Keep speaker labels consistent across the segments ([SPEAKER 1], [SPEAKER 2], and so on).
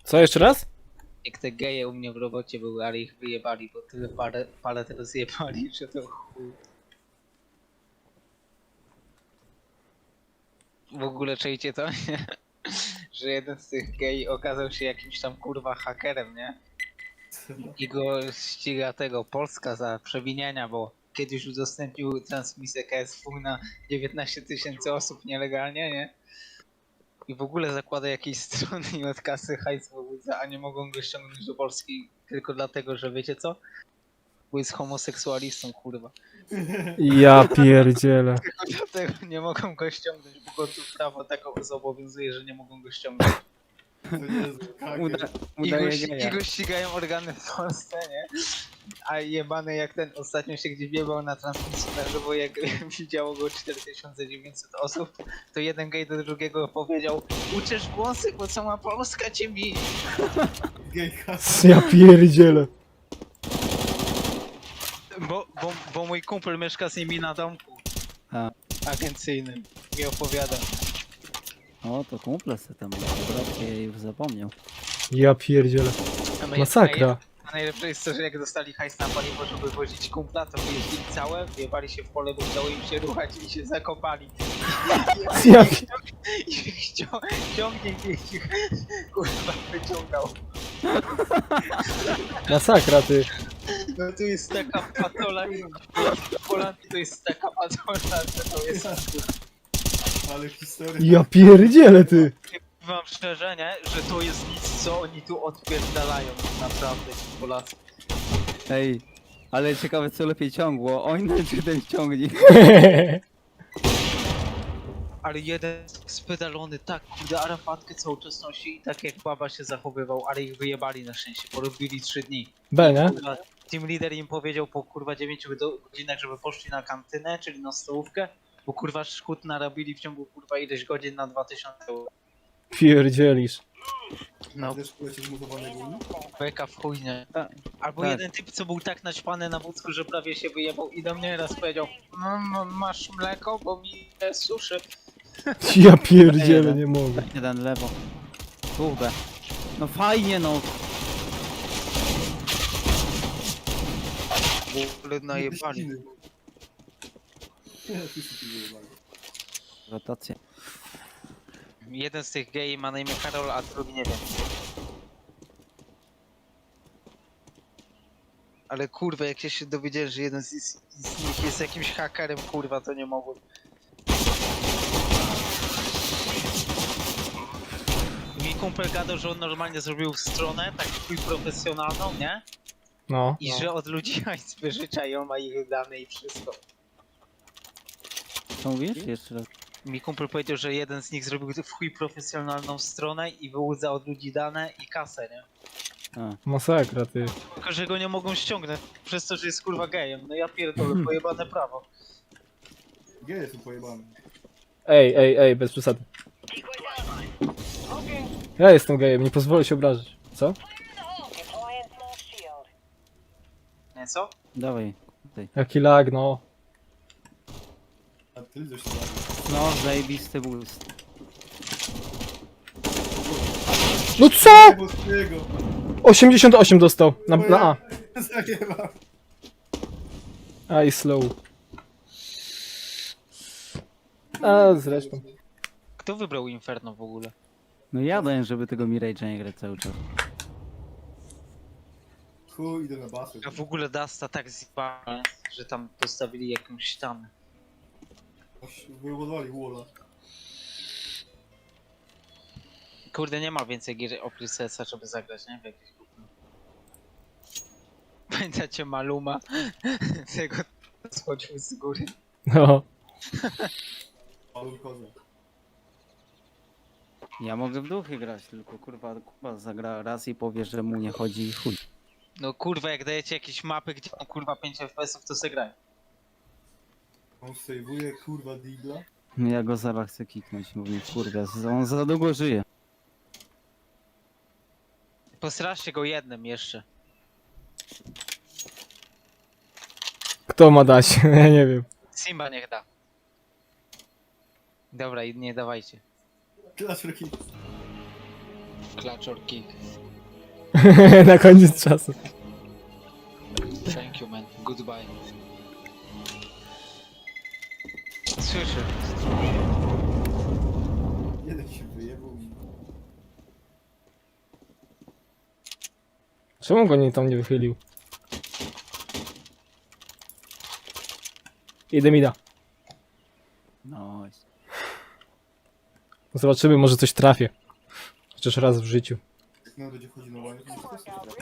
[SPEAKER 1] Co, jeszcze raz?
[SPEAKER 2] Jak te geje u mnie w robocie były, ale ich wyjebali, bo tyle parę teraz zjebali, że to chuj. W ogóle czujcie to, nie? Że jeden z tych gej okazał się jakimś tam kurwa hakerem, nie? I go ściga tego Polska za przewinienia, bo kiedyś udostępnił transmisję KSW na 19 000 osób nielegalnie, nie? I w ogóle zakłada jakieś strony i od kasy hajs wywódza, a nie mogą go ściągnąć do Polski tylko dlatego, że wiecie co? Bo jest homoseksualistą, kurwa.
[SPEAKER 1] Ja pierdzielę.
[SPEAKER 2] Tylko dlatego nie mogą go ściągnąć, bo go tu prawo tak zobowiązuje, że nie mogą go ściągnąć. I go ścigają organy w Polsce, nie? A jebany jak ten ostatnio się gdzieś biebał na transmisji na żywo, jak widziało go 4900 osób, to jeden gej do drugiego powiedział: uczesz włosy, bo cała Polska cię bije.
[SPEAKER 1] Ja pierdzielę.
[SPEAKER 2] Bo mój kumpel mieszka z nimi na domku
[SPEAKER 3] A.
[SPEAKER 2] agencyjnym i opowiada.
[SPEAKER 3] O, to kumple se tam, brat się już zapomniał.
[SPEAKER 1] Ja pierdzielę. Masakra.
[SPEAKER 2] A najlepsze jest to, że jak dostali hajs na paliwo, żeby wozić kumpla, to wyjeździli całe, wjebali się w pole, bo chciało im się ruchać i się zakopali.
[SPEAKER 1] Ja
[SPEAKER 2] I ciągnik ich kurwa wyciągał.
[SPEAKER 1] Masakra, ty.
[SPEAKER 2] No tu jest taka patola i w Holandii to jest taka patola, że to jest...
[SPEAKER 4] Ale historia.
[SPEAKER 1] Ja pierdzielę, ty.
[SPEAKER 2] Wam szczerze, nie? Że to jest nic, co oni tu odpierdalają naprawdę, ci Polacy.
[SPEAKER 3] Ej, ale ciekawe co lepiej ciągło, on czy ten ciągnik?
[SPEAKER 2] Ale jeden spedalony tak, kurde, Arafatkę cały czas nosi i tak jak baba się zachowywał, ale ich wyjebali na szczęście, porobili 3 dni.
[SPEAKER 1] B, nie?
[SPEAKER 2] Kurwa, team leader im powiedział po kurwa 9 godzinach, żeby poszli na kantynę, czyli na stołówkę, bo kurwa szkód narobili w ciągu kurwa ileś godzin na 2000 euro.
[SPEAKER 1] Pierdzielisz.
[SPEAKER 2] No,
[SPEAKER 4] Też polecisz mutowane gumy?
[SPEAKER 2] beka w chuj, nie?
[SPEAKER 3] Tak.
[SPEAKER 2] Albo
[SPEAKER 3] Tak.
[SPEAKER 2] jeden typ, co był tak naćpany na wódzku, że prawie się wyjebał i do mnie raz powiedział: masz mleko, bo mi suszy.
[SPEAKER 1] Ja pierdzielę, nie mogę.
[SPEAKER 3] Jeden lewo. Kurde. No fajnie no.
[SPEAKER 2] Ale najebali.
[SPEAKER 4] Nie, wszyscy tu wyjebali.
[SPEAKER 3] Rotację.
[SPEAKER 2] Jeden z tych gej ma na imię Karol, a drugi nie wiem. Ale kurwa, jak się dowiedziałem, że jeden z nich jest jakimś hakerem, kurwa, to nie mogłem. Mi kumpel gadał, że on normalnie zrobił stronę, tak chuj profesjonalną, nie?
[SPEAKER 1] No.
[SPEAKER 2] I że od ludzi hajs wyżycza i on ma ich dane i wszystko.
[SPEAKER 3] Co mówisz? Jeszcze raz.
[SPEAKER 2] Mi kumpel powiedział, że jeden z nich zrobił w chuj profesjonalną stronę i wyłudza od ludzi dane i kasę, nie?
[SPEAKER 3] A.
[SPEAKER 1] Masakra, ty.
[SPEAKER 2] Tylko, że go nie mogą ściągnąć przez to, że jest kurwa gejem. No ja pierdolę, pojebane prawo.
[SPEAKER 4] Geje są pojebane.
[SPEAKER 1] Ej, bez przesady. Ja jestem gejem, nie pozwolę się obrazić. Co?
[SPEAKER 2] Nie co?
[SPEAKER 3] Dawaj.
[SPEAKER 1] Jaki lag, no.
[SPEAKER 4] A ty coś tam.
[SPEAKER 3] No, zajebisty boost.
[SPEAKER 1] No co?
[SPEAKER 4] Boskiego!
[SPEAKER 1] 88 dostał. Na A.
[SPEAKER 4] Zajebam.
[SPEAKER 1] A i slow. A zresztą.
[SPEAKER 2] Kto wybrał Inferno w ogóle?
[SPEAKER 3] No jadłem, żeby tego Mirage'a nie grać cały czas.
[SPEAKER 4] Chuj, idę na basę.
[SPEAKER 2] A w ogóle Dasta tak zjebane, że tam postawili jakąś ścianę.
[SPEAKER 4] Wybudowali Walla.
[SPEAKER 2] Kurde, nie ma więcej gier oprócz CS-a, żeby zagrać, nie? W jakieś grupy. Pamiętacie Maluma? Tego schodził z góry.
[SPEAKER 1] No.
[SPEAKER 4] Paweł Kozak.
[SPEAKER 3] Ja mogę w duchy grać, tylko kurwa Kuba zagra raz i powie, że mu nie chodzi i chuj.
[SPEAKER 2] No kurwa, jak dajecie jakieś mapy, gdzie mam kurwa 5 FPS-ów, to se graj.
[SPEAKER 4] On sejwuje kurwa digla.
[SPEAKER 3] Ja go zaraz chcę kiknąć, mówię kurwa, on za długo żyje.
[SPEAKER 2] Postraszcie go jednym jeszcze.
[SPEAKER 1] Kto ma dać? Ja nie wiem.
[SPEAKER 2] Simba niech da. Dobra, i nie dawajcie.
[SPEAKER 4] Clash Rocky.
[SPEAKER 2] Clutch or kick.
[SPEAKER 1] Na koniec czasu.
[SPEAKER 2] Thank you, man. Goodbye. Słyszę.
[SPEAKER 4] Jeden się wyjebał i...
[SPEAKER 1] Czemu go tam nie wychylił? Idę mi da.
[SPEAKER 3] No.
[SPEAKER 1] Zobaczymy, może coś trafię. Chociaż raz w życiu.
[SPEAKER 4] Jak nam będzie chodził na łanie, to muszę też coś trafić.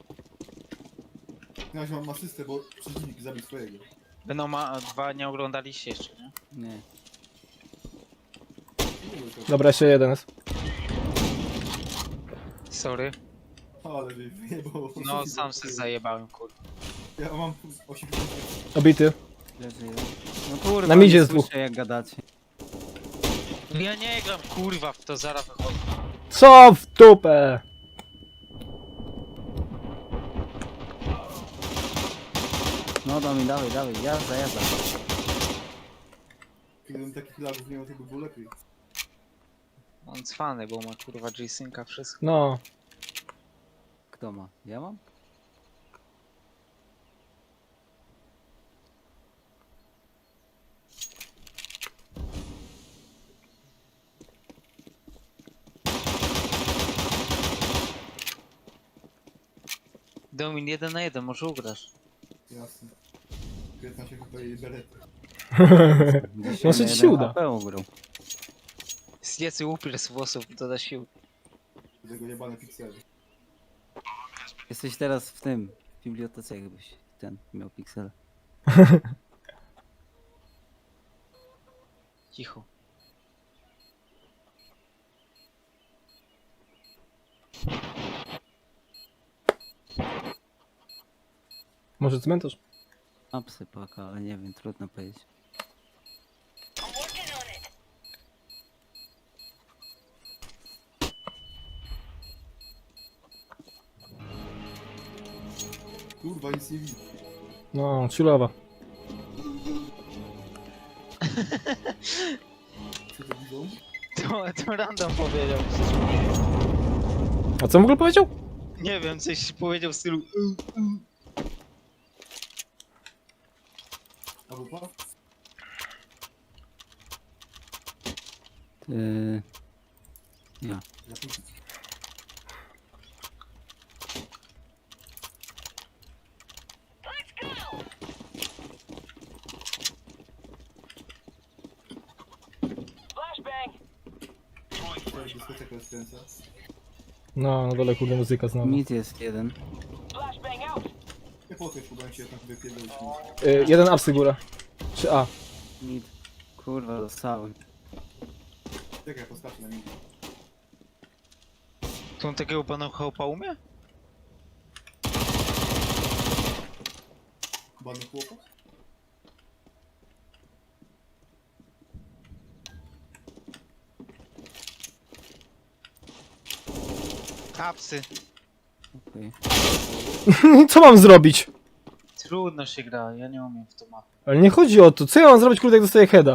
[SPEAKER 4] No, ja mam asystę, bo przeciwnik zabił swojego.
[SPEAKER 2] Venoma 2 nie oglądaliście jeszcze, nie?
[SPEAKER 3] Nie.
[SPEAKER 1] Dobra, jeszcze jeden jest.
[SPEAKER 2] Sorry.
[SPEAKER 4] Ale że wyjebał.
[SPEAKER 2] No sam się zajebałem, kurwa.
[SPEAKER 4] Ja mam 80.
[SPEAKER 1] Obity.
[SPEAKER 3] Leży jeden. No kurwa,
[SPEAKER 1] Na midzie
[SPEAKER 3] nie
[SPEAKER 1] jest dwóch.
[SPEAKER 3] słyszę jak gadacie.
[SPEAKER 2] Ja nie gram, kurwa, w to zaraz wychodzę.
[SPEAKER 1] Co w dupę?
[SPEAKER 3] No dawaj, dawaj, jazda.
[SPEAKER 4] Gdybym takich lagów nie miał, to by było lepiej.
[SPEAKER 2] On cwany, bo ma kurwa G-Synca, wszystko.
[SPEAKER 1] No.
[SPEAKER 3] Kto ma? Ja mam?
[SPEAKER 2] Domin 1 na 1, może ugrasz.
[SPEAKER 4] Jasne. 15 chyba jej berety.
[SPEAKER 1] Może ci się uda.
[SPEAKER 3] Ugrał.
[SPEAKER 2] Zjedz upier z włosów, doda sił.
[SPEAKER 4] Do tego jebane piksele.
[SPEAKER 3] Jesteś teraz w tym, w bibliotece jakbyś ten miał piksel.
[SPEAKER 2] Cicho.
[SPEAKER 1] Może cmentarz?
[SPEAKER 3] A psy paka, ale nie wiem, trudno powiedzieć.
[SPEAKER 4] Kurwa, nic nie widzę.
[SPEAKER 1] No, chillowa.
[SPEAKER 4] Co to widzą?
[SPEAKER 2] To random powiedział.
[SPEAKER 1] A co w ogóle powiedział?
[SPEAKER 2] Nie wiem, coś powiedział w stylu
[SPEAKER 4] A wupa?
[SPEAKER 3] Ja.
[SPEAKER 4] Ja tu... To jest dyskoteka rozkręca.
[SPEAKER 1] No, na dole kurde muzyka znowu.
[SPEAKER 3] Mit jest jeden.
[SPEAKER 4] Nie po co próbowałem się tam wypierdolić.
[SPEAKER 1] Jeden apsy góra. Czy A?
[SPEAKER 3] Mit. Kurwa, dostałem.
[SPEAKER 4] Czekaj, postawię na mnie.
[SPEAKER 2] To on takiego pana chłopa umie?
[SPEAKER 4] Bany chłopak?
[SPEAKER 2] Kapsy.
[SPEAKER 3] Okej.
[SPEAKER 1] Co mam zrobić?
[SPEAKER 2] Trudno się gra, ja nie umiem w to mapę.
[SPEAKER 1] Ale nie chodzi o to. Co ja mam zrobić kurde jak dostaję heada?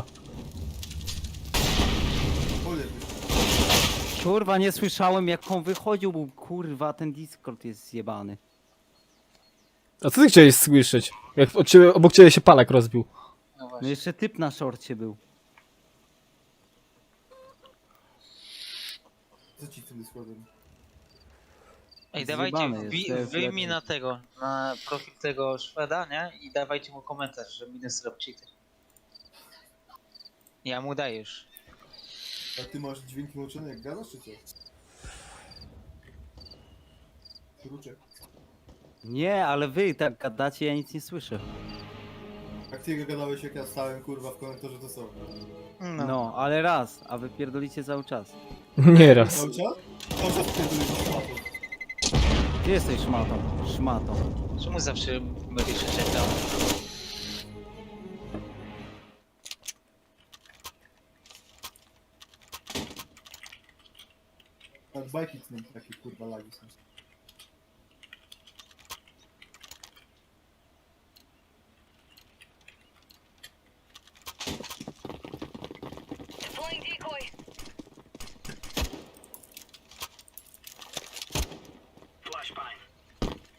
[SPEAKER 4] Cholera,
[SPEAKER 3] Kurwa, nie słyszałem jak on wychodził, bo kurwa ten Discord jest zjebany.
[SPEAKER 1] A co ty chciałeś słyszeć? Jak od ciebie, obok ciebie się palak rozbił.
[SPEAKER 2] No
[SPEAKER 3] No
[SPEAKER 2] właśnie.
[SPEAKER 3] jeszcze typ na szorcie był.
[SPEAKER 4] co ci z tym Discordem?
[SPEAKER 2] Ej, dawajcie,
[SPEAKER 3] Zjebane jest, to jest
[SPEAKER 2] wyjmij
[SPEAKER 3] lepiej.
[SPEAKER 2] na tego, na profil tego Szweda, nie? I dawajcie mu komentarz, że minus rob cheater. Ja mu dajesz.
[SPEAKER 4] A ty masz dźwięki włączone jak gadasz, czy co? Kruczek.
[SPEAKER 3] Nie, ale wy tak gadacie, ja nic nie słyszę.
[SPEAKER 4] Jak ty gadałeś, jak ja stałem, kurwa, w komentarzu, to co?
[SPEAKER 3] No, ale raz, a wy pierdolicie cały czas.
[SPEAKER 1] Nieraz.
[SPEAKER 4] Cały czas? Cały czas pierdolisz szmatą.
[SPEAKER 3] Ty jesteś szmatą, szmatą.
[SPEAKER 2] Czemu zawsze mylisz czekał?
[SPEAKER 4] Tak, bajki z nim takie, kurwa, lagi są.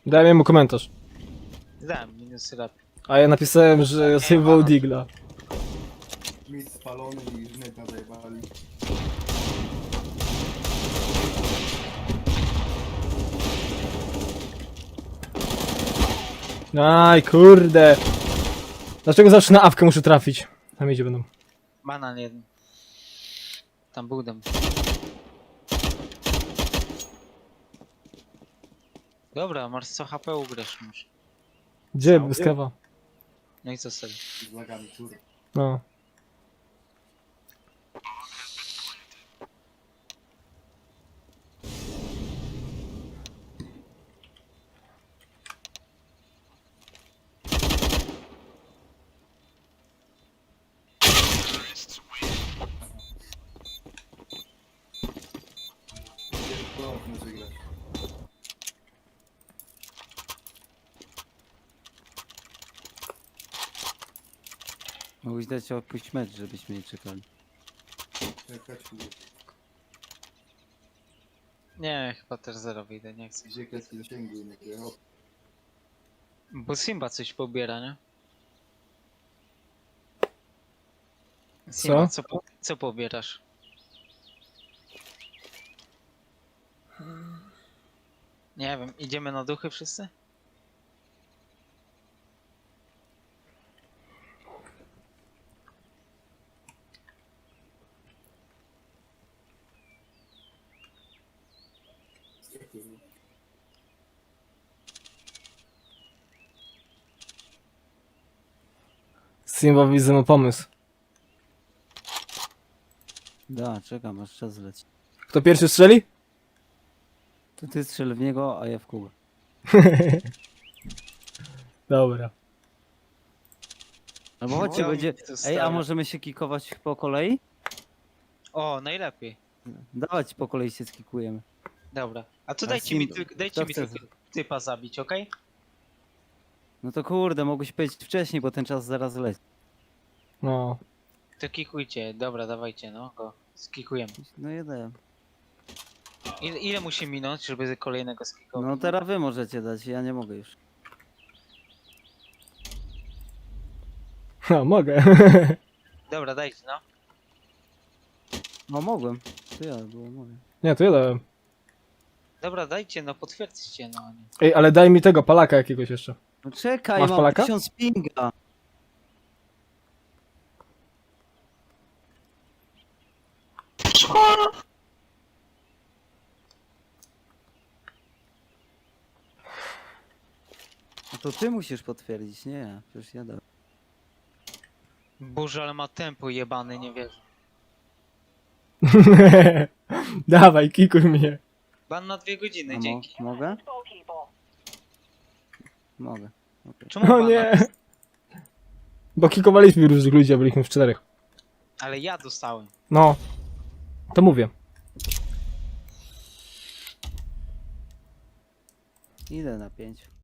[SPEAKER 1] Dałem mu komentarz.
[SPEAKER 2] Dałem minusy lat.
[SPEAKER 1] A ja napisałem, że sejwował Digla.
[SPEAKER 4] Mit spalony i żneta zajebali.
[SPEAKER 1] Aj, kurde. Dlaczego zawsze na awkę muszę trafić? Tam idzie będą.
[SPEAKER 2] Banan jeden. Tam był dom. Dobra, masz co HP ugrasz już.
[SPEAKER 1] Gdzie? Bez kawa.
[SPEAKER 2] No i co sobie?
[SPEAKER 4] Z lagami, kurwa.
[SPEAKER 1] No.
[SPEAKER 4] To muszę grać.
[SPEAKER 3] Mógłbyś dać opuść mecz, żebyśmy nie czekali.
[SPEAKER 4] Czekać, kurwa.
[SPEAKER 2] Nie, chyba też zero wyjdę, nie chcę się.
[SPEAKER 4] Gdzie kreski zasięgu i nie o,
[SPEAKER 2] Bo Simba coś pobiera, nie? Simba, co pobierasz? Nie wiem, idziemy na duchy wszyscy?
[SPEAKER 4] kurwa.
[SPEAKER 1] Simba widzę ma pomysł.
[SPEAKER 3] Da, czekam, aż czas leci.
[SPEAKER 1] Kto pierwszy strzeli?
[SPEAKER 3] To ty strzel w niego, a ja w Kubę.
[SPEAKER 1] Dobra.
[SPEAKER 3] Albo chodźcie,
[SPEAKER 2] No,
[SPEAKER 3] będzie...
[SPEAKER 2] to
[SPEAKER 3] Ej, a
[SPEAKER 2] stare.
[SPEAKER 3] możemy się kikować po kolei?
[SPEAKER 2] O, najlepiej.
[SPEAKER 3] Dawać po kolei się skikujemy.
[SPEAKER 2] Dobra. A to
[SPEAKER 3] A
[SPEAKER 2] dajcie mi,
[SPEAKER 3] Simba-
[SPEAKER 2] dajcie
[SPEAKER 3] kto
[SPEAKER 2] mi
[SPEAKER 3] chce-
[SPEAKER 2] tylko typa zabić, okej?
[SPEAKER 3] No to kurde, mogłeś powiedzieć wcześniej, bo ten czas zaraz leci.
[SPEAKER 1] No.
[SPEAKER 2] To kikujcie, dobra, dawajcie, no go. Skikujemy.
[SPEAKER 3] No jeden.
[SPEAKER 2] Ile musi minąć, żeby kolejnego skikować?
[SPEAKER 3] No teraz wy możecie dać, ja nie mogę już.
[SPEAKER 1] Ha, mogę.
[SPEAKER 2] Dobra, dajcie, no.
[SPEAKER 3] No mogłem. To ja było mogę.
[SPEAKER 1] Nie, to ja dałem.
[SPEAKER 2] Dobra, dajcie, no potwierdźcie, no.
[SPEAKER 1] Ej, ale daj mi tego palaka jakiegoś jeszcze.
[SPEAKER 3] No czekaj,
[SPEAKER 1] Masz
[SPEAKER 3] mam
[SPEAKER 1] Polaka?
[SPEAKER 3] 1000 pinga. No to ty musisz potwierdzić, nie ja. Przecież ja dałem.
[SPEAKER 2] Boże, ale ma tempo jebany, nie wierzę.
[SPEAKER 1] Dawaj, kikuj mnie.
[SPEAKER 2] Ban na 2 godziny,
[SPEAKER 3] A
[SPEAKER 2] dzięki.
[SPEAKER 3] mogę? Mogę. Okej.
[SPEAKER 2] Czemu
[SPEAKER 1] O
[SPEAKER 2] ban na...
[SPEAKER 1] nie. Bo kikowaliśmy różnych ludzi, a byliśmy w 4.
[SPEAKER 2] Ale ja dostałem.
[SPEAKER 1] No. To mówię.
[SPEAKER 3] Idę na 5.